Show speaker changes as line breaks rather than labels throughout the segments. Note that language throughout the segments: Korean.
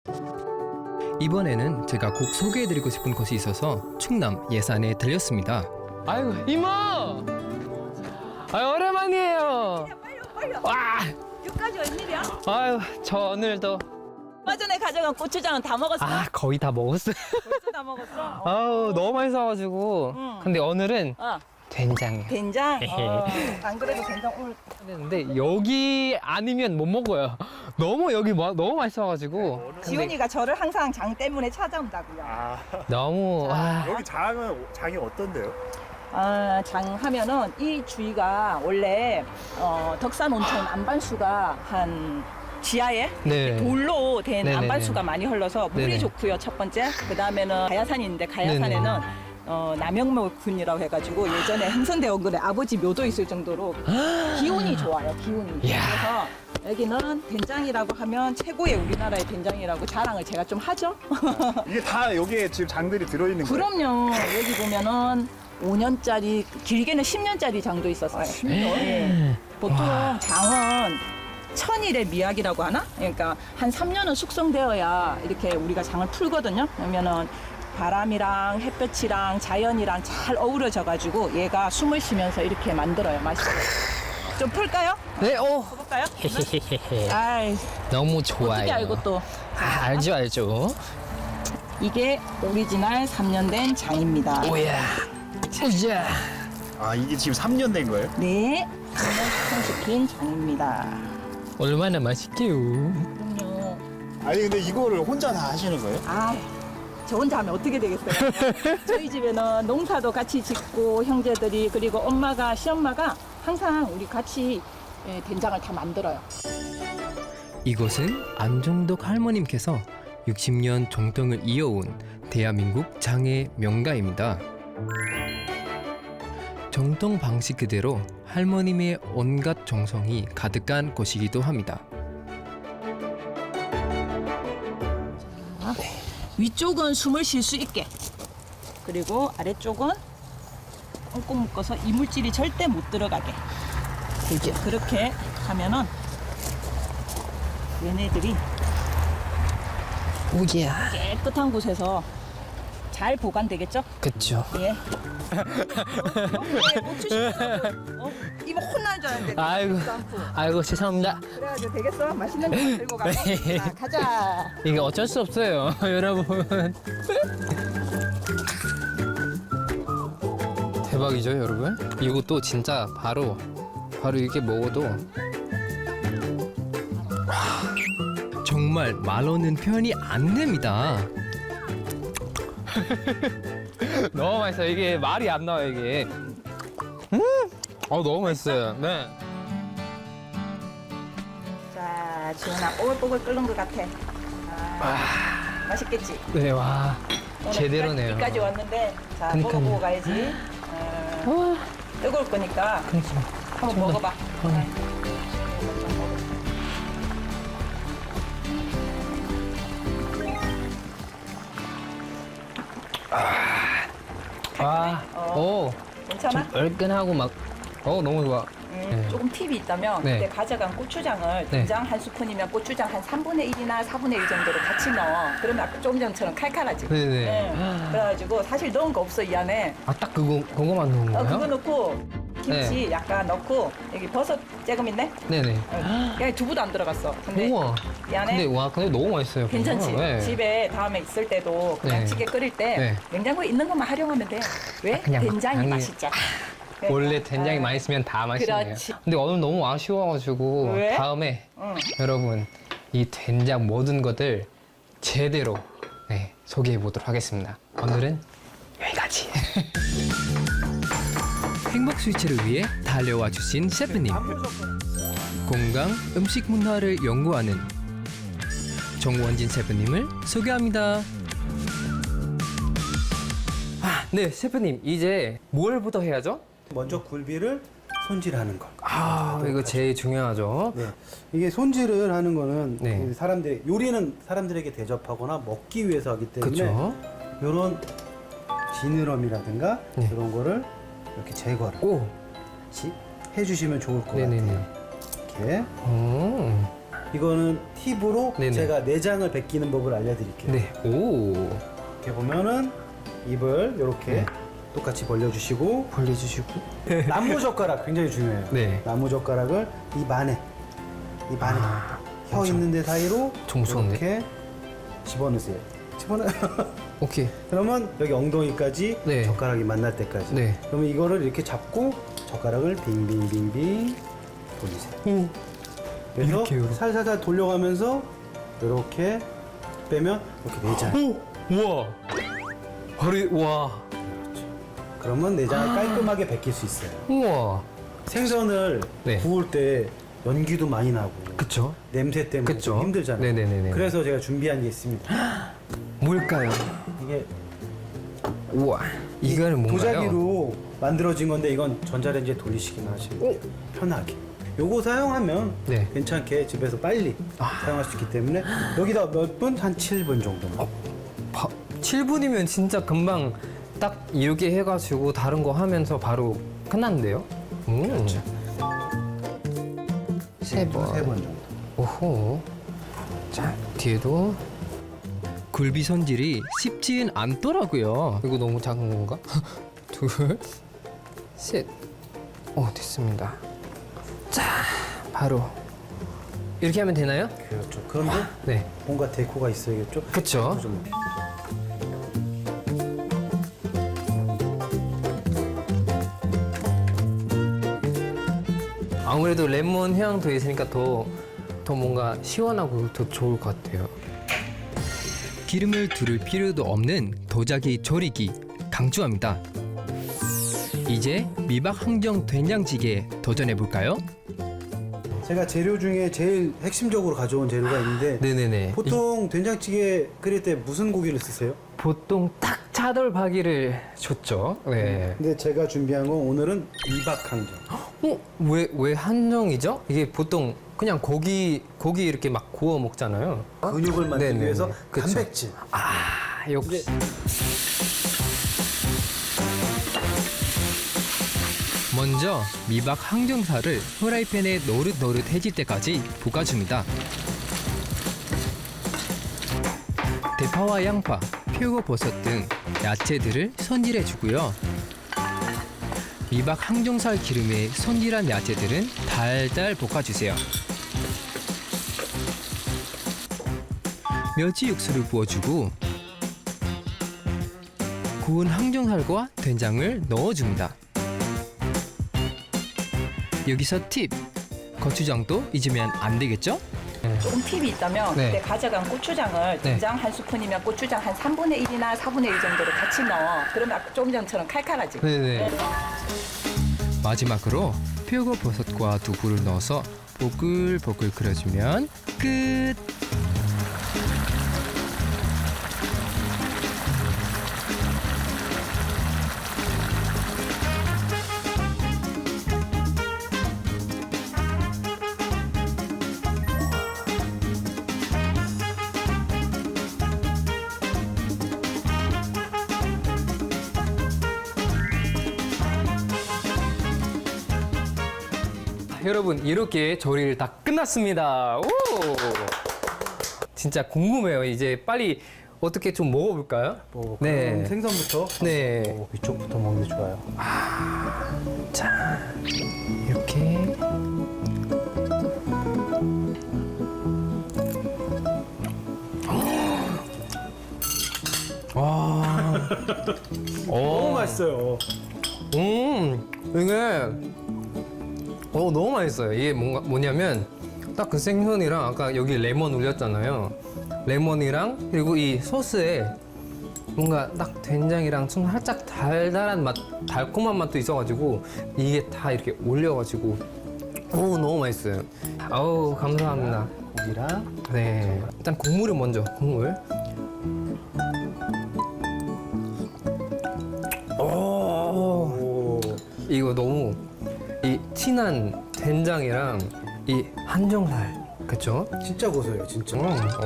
이번에는 제가 꼭 소개해드리고 싶은 곳이 있어서 충남 예산에 들렸습니다.
아이고 이모. 오랜만이에요.
빨리
와.
여기까지 웬일이야?
아유 저 오늘도
얼마 전에 가져간 고추장은 다 먹었어?
거의 다 먹었어요.
벌써 다 먹었어?
아우 너무 맛있어가지고.
응.
근데 오늘은
어,
된장이에요.
된장? 안 그래도 된장 오늘
근데 여기 아니면 못 먹어요. 너무 여기 너무 맛있어가지고. 근데
지훈이가 저를 항상 장 때문에 찾아온다고요.
너무 와.
여기 장이 어떤데요?
장 하면은 이 주위가 원래 덕산 온천 안반수가 한 지하에
네.
돌로 된
네네네.
안반수가 많이 흘러서 물이
네네.
좋고요. 첫 번째. 그 다음에는 가야산인데 가야산에는 남영묘군이라고 해가지고 예전에 흥선대원군의 아버지 묘도 있을 정도로 기운이 좋아요. 기운이.
이야.
그래서 여기는 된장이라고 하면 최고의 우리나라의 된장이라고 자랑을 제가 좀 하죠.
이게 다 여기에 지금 장들이 들어있는 거예요?
그럼요. 여기 보면은 5년짜리, 길게는 10년짜리 장도 있었어요. 10년? 네. 보통 장은 천일의 미학이라고 하나? 그러니까 한 3년은 숙성되어야 이렇게 우리가 장을 풀거든요. 그러면은 바람이랑 햇볕이랑 자연이랑 잘 어우러져가지고 얘가 숨을 쉬면서 이렇게 만들어요. 맛있어요. 좀 풀까요?
네,
볼까요? 아이,
너무 좋아요.
어떻게 알고 또.
알죠.
이게 오리지널 3년 된 장입니다.
오야. 오야.
아, 이게 지금 3년 된 거예요?
네, 3년 숙성시킨 장입니다.
얼마나 맛있게요.
그럼요.
아니, 근데 이거를 혼자 다 하시는 거예요?
아, 저 혼자 하면 어떻게 되겠어요? 저희 집에는 농사도 같이 짓고 형제들이 그리고 엄마가 시엄마가 항상 우리 같이 된장을 다 만들어요.
이곳은 안종덕 할머님께서 60년 정통을 이어온 대한민국 장의 명가입니다. 정통 방식 그대로 할머님의 온갖 정성이 가득한 곳이기도 합니다.
위쪽은 숨을 쉴 수 있게 그리고 아래쪽은 꽁꽁 묶어서 이물질이 절대 못 들어가게 이제 그렇게 하면은 얘네들이
오야.
깨끗한 곳에서 잘 보관되겠죠?
그쵸.
예. 고추 심으라고 이모 혼날 줄 알았는데
아이고.
그러지도 않고.
아이고 죄송합니다.
그래가지고 되겠어? 맛있는 거 들고 가. 자, 가자.
이게 어쩔 수 없어요, 여러분. 대박이죠, 여러분? 이것도 진짜 바로 이렇게 먹어도
정말 말로는 표현이 안 됩니다.
너무 맛있어요. 이게 말이 안 나와요, 이게. 너무 맛있어요. 네.
자, 지훈아, 뽀글뽀글 끓는 것 같아. 맛있겠지?
네, 와.
오늘
제대로네요.
여기까지 왔는데, 자,
그러니까요.
먹어보고 가야지. 뜨거울 거니까 한번 먹어봐. 네.
와, 오.
괜찮아?
좀 얼큰하고 막, 너무 좋아. 네.
조금 팁이 있다면
네.
그때 가져간 고추장을 된장 한 스푼이면 고추장 한 3분의 1이나 4분의 1 정도로 같이 넣어. 그러면 아까 조금 전처럼 칼칼하지.
네네.
그래가지고 사실 넣은 거 없어 이 안에.
딱 그거만 넣은 거예요?
그거 넣고 김치 약간 넣고 여기 버섯 조금 있네.
네네.
그냥 두부도 안 들어갔어. 근데
우와.
이 안에
근데 너무 맛있어요.
괜찮지?
그거. 네.
집에 다음에 있을 때도 그냥
네.
찌개 끓일 때
네.
냉장고에 있는 것만 활용하면 돼. 왜?
그냥
된장이
양이-
맛있잖아.
원래 된장이
아,
맛있으면 다 맛있네요.
그렇지.
근데 오늘 너무 아쉬워가지고
왜?
다음에
응.
여러분 이 된장 모든 것들 제대로 소개해 보도록 하겠습니다. 오늘은 여기까지.
행복 스위치를 위해 달려와 주신 셰프님. 건강 음식 문화를 연구하는 정원진 셰프님을 소개합니다.
네, 셰프님 이제 뭘부터 해야죠?
먼저 굴비를 손질하는 거.
이거 제일 중요하죠.
네. 이게 손질을 하는 거는
네.
요리는 사람들에게 대접하거나 먹기 위해서 하기 때문에
그렇죠.
이런 지느러미라든가
네.
그런 거를 이렇게 제거를
오,
해주시면 좋을 것
네네네.
같아요. 이렇게. 이거는 팁으로
네네.
제가 내장을 벗기는 법을 알려드릴게요.
네. 오.
이렇게 보면은 입을 이렇게
네.
똑같이 벌려주시고
벌려주시고.
나무 젓가락 굉장히 중요해요.
네.
나무 젓가락을 입 안에
아,
혀
엄청
있는 데 사이로
좀 무서운데?
이렇게 집어넣으세요. 집어넣어.
오케이.
그러면 여기 엉덩이까지
네.
젓가락이 만날 때까지.
네.
그러면 이거를 이렇게 잡고 젓가락을 빙빙빙빙 돌리세요.
오.
그래서
이렇게요?
살살살 돌려가면서 이렇게 빼면 이렇게 내장.
오. 우와. 바로 와.
그러면 내장을 깔끔하게 벗길 수 있어요.
우와.
생선을
네.
구울 때 연기도 많이 나고
그쵸?
냄새 때문에
그쵸?
좀 힘들잖아요.
네네네네.
그래서 제가 준비한 게 있습니다.
뭘까요?
이게
우와. 이거는 뭔가요?
도자기로 만들어진 건데 이건 전자레인지에 돌리시기만 하시면 돼요. 편하게. 요거 사용하면
네.
괜찮게 집에서 빨리 사용할 수 있기 때문에 여기다 몇 분? 한 7분 정도만.
7분이면 진짜 금방 딱 이렇게 해가지고 다른 거 하면서 바로 끝났는데요?
그렇죠.
세 번.
3번 정도.
오호. 자, 뒤에도. 굴비 손질이 쉽지는 않더라고요. 이거 너무 작은 건가? 둘, 셋. 됐습니다. 자, 바로. 이렇게 하면 되나요?
그렇죠. 그런데
네.
뭔가 데코가 있어야겠죠?
그쵸.
좀
아무래도 레몬 향도 있으니까 더 뭔가 시원하고 더 좋을 것 같아요. 기름을 두를 필요도 없는 도자기 조리기 강추합니다. 이제 미박 항정 된장찌개 도전해 볼까요?
제가 재료 중에 제일 핵심적으로 가져온 재료가 있는데
네네네.
보통 된장찌개 끓일 때 무슨 고기를 쓰세요?
보통 딱 차돌박이를 줬죠. 네.
근데 제가 준비한 건 오늘은 미박 항정.
왜 한정이죠? 이게 보통 그냥 고기 이렇게 막 구워 먹잖아요.
근육을 만들기
네네네.
위해서
그쵸.
단백질.
역시. 먼저 미박 항정살을 프라이팬에 노릇노릇해질 때까지 볶아줍니다. 대파와 양파, 표고버섯 등 야채들을 손질해주고요. 미박 항정살 기름에 손질한 야채들은 달달 볶아주세요. 멸치 육수를 부어주고 구운 항정살과 된장을 넣어줍니다. 여기서 팁! 고추장도 잊으면 안 되겠죠?
조금 팁이 있다면
네.
그때 가져간 고추장을 된장 한 스푼이면 고추장 한 3분의 1이나 4분의 1 정도로 같이 넣어. 그러면 아까 조금 전처럼 칼칼하지.
네네. 마지막으로 표고버섯과 두부를 넣어서 보글보글 끓여주면 끝! 여러분 이렇게 조리를 다 끝났습니다. 오! 진짜 궁금해요. 이제 빨리 어떻게 좀 먹어볼까요?
뭐
네.
그럼 생선부터
네.
위쪽부터 먹는 게 좋아요.
자, 이렇게. 와.
너무 맛있어요.
이게 너무 맛있어요. 이게 뭐냐면 딱 그 생선이랑 아까 여기 레몬 올렸잖아요. 레몬이랑 그리고 이 소스에 뭔가 딱 된장이랑 좀 살짝 달달한 맛, 달콤한 맛도 있어가지고 이게 다 이렇게 올려가지고 너무 맛있어요. 아우 감사합니다.
고기랑
네, 일단 국물을 먼저 국물.
오.
이거 너무 이 진한 된장이랑 이 한정살, 그쵸?
진짜 고소해요, 진짜.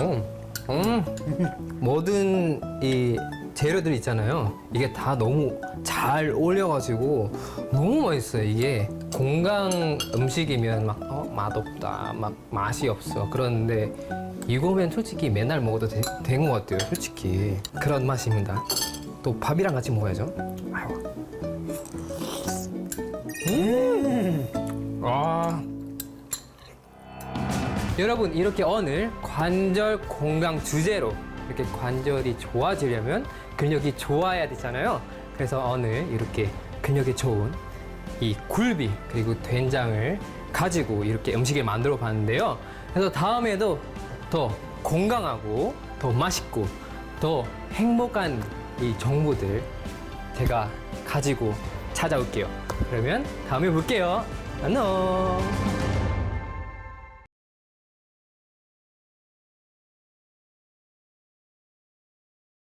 모든 이 재료들 있잖아요. 이게 다 너무 잘 어울려가지고 너무 맛있어요. 이게 건강 음식이면 막 맛없다, 막 맛이 없어. 그런데 이거면 솔직히 맨날 먹어도 된 것 같아요. 솔직히 그런 맛입니다. 또 밥이랑 같이 먹어야죠. 아유. 아. 여러분 이렇게 오늘 관절 건강 주제로 이렇게 관절이 좋아지려면 근력이 좋아야 되잖아요. 그래서 오늘 이렇게 근력이 좋은 이 굴비 그리고 된장을 가지고 이렇게 음식을 만들어 봤는데요. 그래서 다음에도 더 건강하고 더 맛있고 더 행복한 이 정보들 제가 가지고 찾아올게요. 그러면 다음에 볼게요. 안녕.